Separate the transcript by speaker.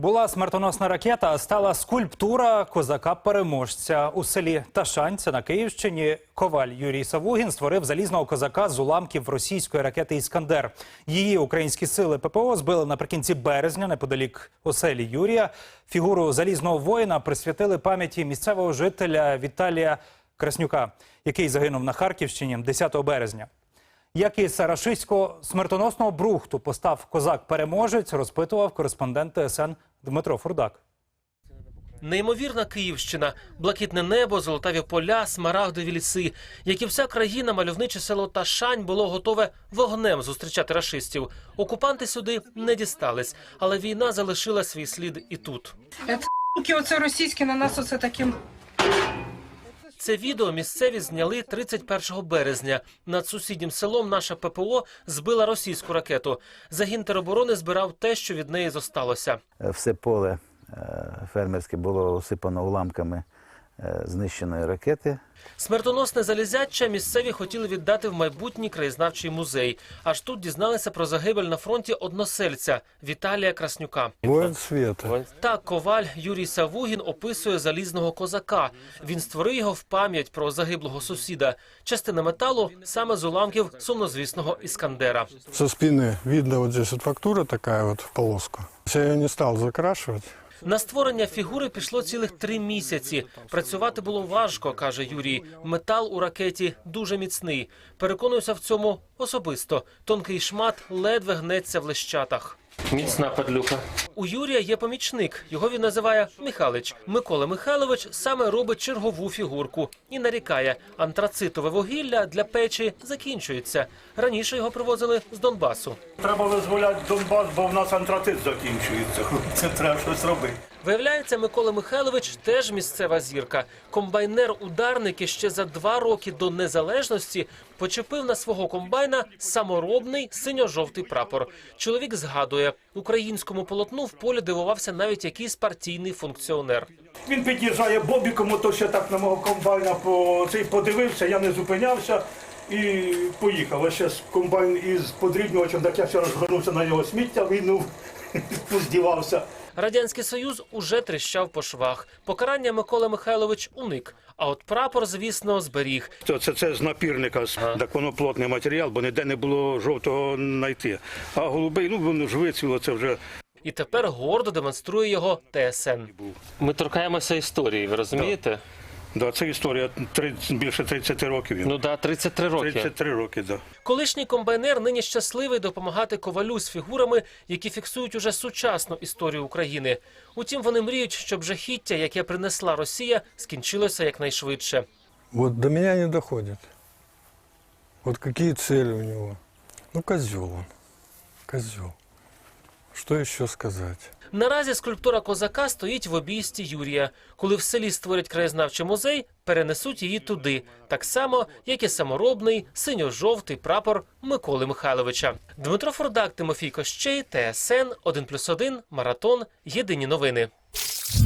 Speaker 1: Була смертоносна ракета, а стала скульптура козака-переможця. У селі Ташань, це на Київщині, коваль Юрій Савугін створив залізного козака з уламків російської ракети «Іскандер». Її українські сили ППО збили наприкінці березня неподалік оселі Юрія. Фігуру залізного воїна присвятили пам'яті місцевого жителя Віталія Краснюка, який загинув на Харківщині 10 березня. Як із рашистського смертоносного брухту постав козак-переможець, розпитував кореспондент ТСН Дмитро Фурдак.
Speaker 2: Неймовірна Київщина, блакитне небо, золотаві поля, смарагдові ліси. Як і вся країна, мальовниче село Ташань було готове вогнем зустрічати рашистів. Окупанти сюди не дістались, але війна залишила свій слід і тут.
Speaker 3: Оце російські на нас оце таким...
Speaker 2: Це відео місцеві зняли 31 березня. Над сусіднім селом наша ППО збила російську ракету. Загін тероборони збирав те, що від неї зосталося.
Speaker 4: Все поле фермерське було осипано уламками знищеної ракети.
Speaker 2: Смертоносне залізяча місцеві хотіли віддати в майбутній краєзнавчий музей. Аж тут дізналися про загибель на фронті односельця Віталія Краснюка.
Speaker 5: Воїн світу.
Speaker 2: Так коваль Юрій Савугін описує залізного козака. Він створив його в пам'ять про загиблого сусіда. Частина металу саме з уламків сумнозвісного «Іскандера».
Speaker 5: Со спины видно вот здесь вот фактура такая вот в полоску. Я ее не стал закрашивать.
Speaker 2: На створення фігури пішло цілих 3 місяці. Працювати було важко, каже Юрій. Метал у ракеті дуже міцний. Переконуюся в цьому особисто. Тонкий шмат ледве гнеться в лещатах. Міцна падлюка. У Юрія є помічник. Його він називає Михалич. Микола Михайлович саме робить чергову фігурку. І нарікає, антрацитове вугілля для печі закінчується. Раніше його привозили з Донбасу.
Speaker 6: Треба визволяти Донбас, бо в нас антрацит закінчується. Це треба щось робити.
Speaker 2: Виявляється, Микола Михайлович теж місцева зірка. Комбайнер-ударник ще за 2 роки до незалежності почепив на свого комбайна саморобний синьо-жовтий прапор. Чоловік згадує, українському полотну в полі дивувався навіть якийсь партійний функціонер.
Speaker 6: Він під'їжджає бобіком, ото ще так на мого комбайна подивився, я не зупинявся і поїхав. А ще комбайн із подрібнювачем, так я ще розгорнувся на його сміття, він здівався.
Speaker 2: Радянський Союз уже тріщав по швах. Покарання Микола Михайлович уник. А от прапор, звісно, зберіг.
Speaker 6: Це з напірника, так воно плотний матеріал, бо ніде не було жовтого знайти. А голубий, воно ж вицвіло, це вже...
Speaker 2: І тепер гордо демонструє його ТСН.
Speaker 7: Ми торкаємося історії, ви розумієте?
Speaker 6: Да, це історія більше 30 років.
Speaker 7: Ну да, 33 роки.
Speaker 6: 33 роки, да.
Speaker 2: Колишній комбайнер нині щасливий допомагати ковалю з фігурами, які фіксують уже сучасну історію України. Утім, вони мріють, щоб жахіття, яке принесла Росія, скінчилося якнайшвидше.
Speaker 5: Вот до меня не доходит. Вот какие цели у него. Ну, козел он. Козел. Что еще сказать?
Speaker 2: Наразі скульптура козака стоїть в обійсті Юрія. Коли в селі створять краєзнавчий музей, перенесуть її туди. Так само, як і саморобний синьо-жовтий прапор Миколи Михайловича. Дмитро Фурдак, Тимофій Кощей, ТСН 1+1, Маратон, Єдині новини.